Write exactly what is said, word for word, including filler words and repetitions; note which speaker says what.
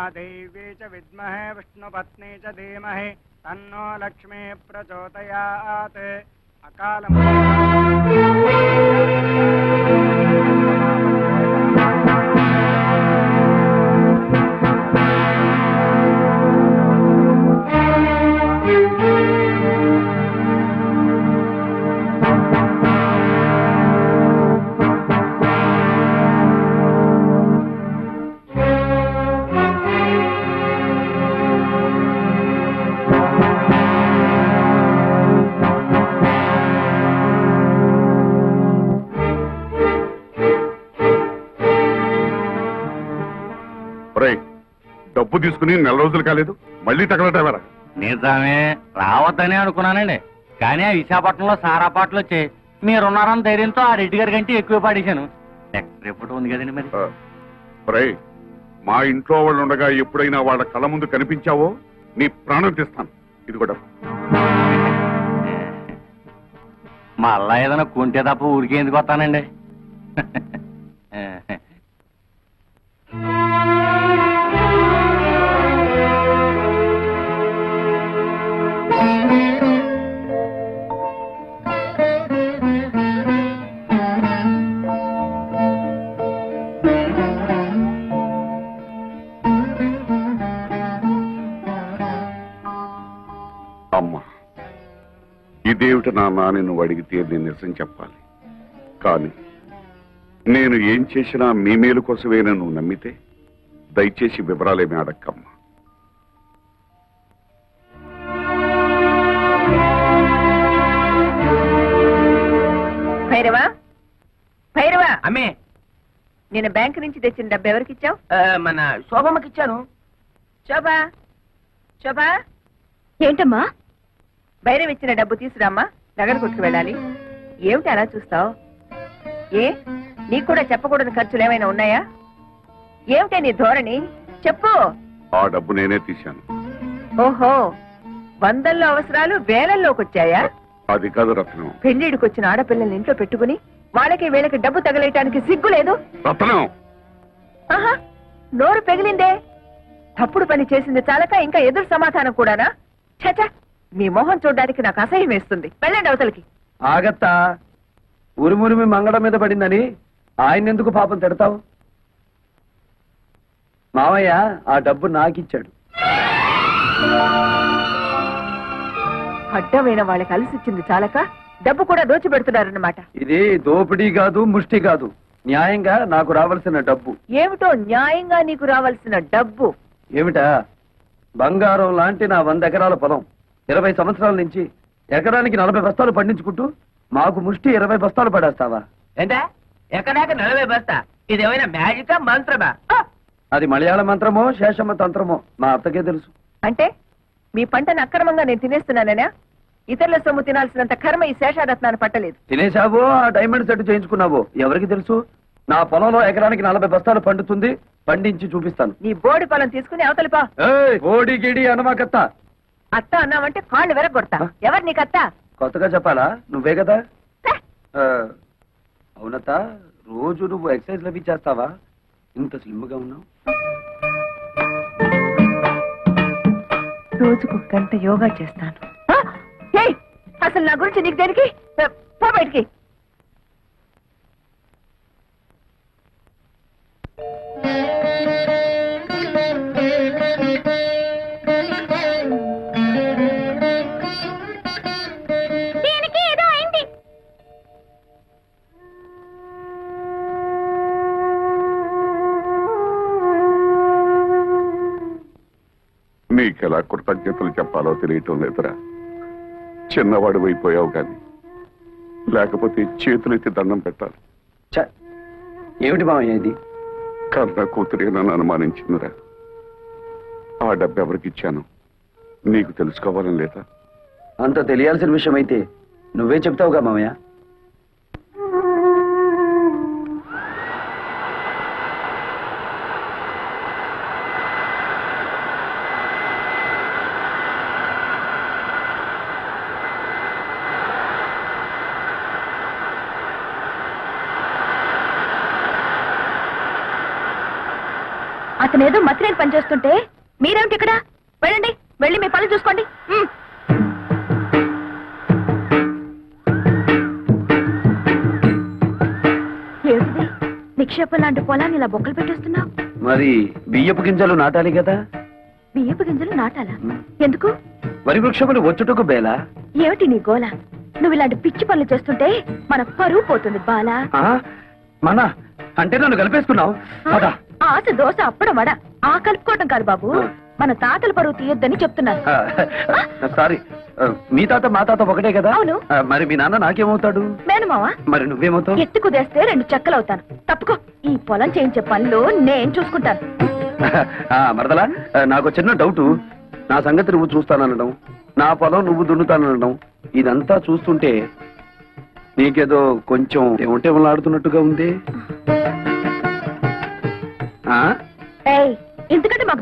Speaker 1: महादेवी च विद्महे विष्णुपत्नी च धीमहि तन्नो लक्ष्मी प्रचोदयात्। अकाल
Speaker 2: డబ్బు తీసుకుని నెల రోజులు కాలేదు, మళ్ళీ తగలటవరా?
Speaker 3: నిజమే, రావద్దని అనుకున్నానండి. కానీ ఆ విశాఖపట్నంలో సారా పాటలు వచ్చాయి. మీరున్నారని ధైర్యంతో ఆ రెడ్డి గారి కంటే ఎక్కువ పాడేశాను. నెక్స్ట్ రిపోర్ట్ ఉంది కదండి మరి.
Speaker 2: ఒరే, మా ఇంట్లో వాళ్ళు ఉండగా ఎప్పుడైనా వాళ్ళ కళ్ళ ముందు కనిపించావో నీ ప్రాణం తీస్తాను. ఇది కూడా
Speaker 3: మళ్ళా ఏదైనా కొంటే తప్ప ఊరికే ఎందుకు వస్తానండి.
Speaker 2: అమ్మా, ఇదేమిటి నాన్న అని నువ్వు అడిగితే నేను నిజం చెప్పాలి. కానీ నేను ఏం చేసినా మీ మేలు కోసమేనా నువ్వు నమ్మితే దయచేసి వివరాలేమి అడక్కమ్మా.
Speaker 4: భైరవా, భైరవా,
Speaker 5: అమ్మే,
Speaker 4: నేను బ్యాంక్ నుంచి తెచ్చిన డబ్బు ఎవరికి ఇచ్చావు?
Speaker 5: మన శోభమ్మకి ఇచ్చాను.
Speaker 4: శోభా, శోభా,
Speaker 6: ఏంటమ్మా?
Speaker 4: భైరవ్ ఇచ్చిన డబ్బు తీసురామ్మా, నగర కొట్టుకు వెళ్ళాలి. ఏమిటి అలా చూస్తావు? ఏ, నీకు కూడా చెప్పకూడని ఖర్చులు ఏమైనా ఉన్నాయా? ఏమిటే నీ ధోరణి? చెప్పు.
Speaker 2: ఆ డబ్బు నేనే తీశాను.
Speaker 4: ఓహో, వందల్లో అవసరాలు వేలల్లోకి వచ్చాయా?
Speaker 2: అది కాదు రత్నం.
Speaker 4: పెళ్లిడికి వచ్చిన ఆడపిల్లల్ని ఇంట్లో పెట్టుకుని వాళ్ళకి వీళ్ళకి డబ్బు తగలేయటానికి సిగ్గు లేదు?
Speaker 2: రత్నం,
Speaker 4: ఆహా, నోరు పెగిలిందే. తప్పుడు పని చేసింది చాలక ఇంకా ఎదురు సమాధానం కూడానా? చచ, మీ మొహం చూడడానికి నాకు అసహ్యం వేస్తుంది. వెళ్ళండి అవతలకి.
Speaker 5: ఆగత్తా, ఉరుమురిమి మంగళం మీద పడిందని ఆయన ఎందుకు పాపం తిడతావు? మావయ్య ఆ డబ్బు నాకిచ్చాడు.
Speaker 4: అడ్డమైన వాళ్ళకి అలసిచ్చింది చాలక డబ్బు కూడా దోచిపెడుతున్నారన్నమాట.
Speaker 5: ఇది దోపిడీ కాదు, ముష్టి కాదు, న్యాయంగా నాకు రావాల్సిన డబ్బు.
Speaker 4: ఏమిటో న్యాయంగా నీకు రావాల్సిన డబ్బు?
Speaker 5: ఏమిటా? బంగారం లాంటి నా వంద ఎకరాల పొలం ఇరవై సంవత్సరాల నుంచి ఎకరానికి నలభై బస్తాలు పండించుకుంటూ మాకు ముష్టి ఇరవై బస్తాలు పడేస్తావా?
Speaker 7: ఏంటా ఎక్కడాక నలభై బస్తా? ఇదేమైనా మ్యాజికా మంత్రమా?
Speaker 5: అది మలయాళ మంత్రమో శేషమ్మ తంత్రమో మా అత్తకే తెలుసు.
Speaker 4: అంటే మీ పంటను అక్రమంగా నేను తినేస్తున్నానేనా? ఇతరుల సొమ్ము తినాల్సినంత కర్మ ఈ శేషారత్నాన్ని పట్టలేదు.
Speaker 5: తినేశావో ఆ డైమండ్ సెట్ చేయించుకున్నావో ఎవరికి తెలుసు? నా పొలంలో ఎకరానికి నలభై బస్తాలు పండుతుంది, పండించి చూపిస్తాను.
Speaker 4: నీ బోడి పొలం తీసుకుని అవతలిపా.
Speaker 5: ఓడి గిడి అనమాకత్త.
Speaker 4: అత్త అన్నావంటే కాళ్ళు వెరగొడతా. ఎవరు నీకత్త?
Speaker 5: కొత్తగా చెప్పాలా? నువ్వే కదా. అవునత్త, రోజు నువ్వు ఎక్సర్సైజ్ లవి చేస్తావా? ఇంత స్లిమ్ గా ఉన్నావు.
Speaker 4: రోజుకు గంట యోగా చేస్తాను. అసలు నా గురించి నీకు దేనికి? పో బయటికి.
Speaker 2: నీకెలా కృతజ్ఞతలు చెప్పాలో తెలియటం లేదురా. చిన్నవాడు అయిపోయావు కానీ లేకపోతే చేతులెత్తి దండం పెట్టాలి.
Speaker 5: ఏమిటి మామయ్య ఇది?
Speaker 2: కన్న కూతురే నన్ను అనుమానించిందిరా. ఆ డబ్బు ఎవరికి ఇచ్చాను నీకు తెలుసుకోవాలని లేదా?
Speaker 5: అంత తెలియాల్సిన విషయం అయితే నువ్వే చెప్తావుగా మామయ్య.
Speaker 4: అతనేదో మతిరేని పని చేస్తుంటే మీరేమిటి ఇక్కడ? వెళ్ళండి, వెళ్ళి మీ పనులు చూసుకోండి. ఉమ్. ఏమిటిది? నిక్షేపం లాంటి పొలాన్ని ఇలా బొక్కలు పెట్టేస్తున్నావు.
Speaker 5: మరి బియ్యపు గింజలు నాటాలి కదా.
Speaker 4: బియ్యపు గింజలు నాటాలా? ఎందుకు?
Speaker 5: వరి వృక్షములు వచ్చుటకు బేలా.
Speaker 4: ఏమిటి నీ గోల? నువ్వు ఇలాంటి పిచ్చి పనులు చేస్తుంటే మన పరువు పోతుంది బాలా.
Speaker 5: ఆ? మన అంటే నన్ను కలిపేసుకున్నావు. పద.
Speaker 4: ఆశ దోశ అప్పడం వడ ఆ కలుపుకోవటం కాదు బాబు, మన తాతల పరువు తీయొద్దని చెప్తున్నాను.
Speaker 5: ఆ, సారీ. ఆ, మీ తాత మా తాత ఒకటే కదా.
Speaker 4: అవును.
Speaker 5: ఆ, మరి మీ నాన్న నాకేమవుతాడు?
Speaker 4: మేనమావా?
Speaker 5: మరి నువ్వేమవుతావు?
Speaker 4: ఎత్తు కుదేస్తే రెండు చెక్కలవుతాను. తప్పుకో, ఈ పొలం చేయించే పనులు నేను చూసుకుంటాను.
Speaker 5: ఆ, మరదలా, ఆ, నాకు చిన్న డౌట్. నా సంగతి నువ్వు చూస్తాననడం, నా పొలం నువ్వు దున్నుతాననడం, ఇదంతా చూస్తుంటే నీకేదో కొంచెం ఏమంటే ఆడుతున్నట్టుగా ఉంది. ఆ
Speaker 4: ఏయ్, ఎందుకంటే మాకు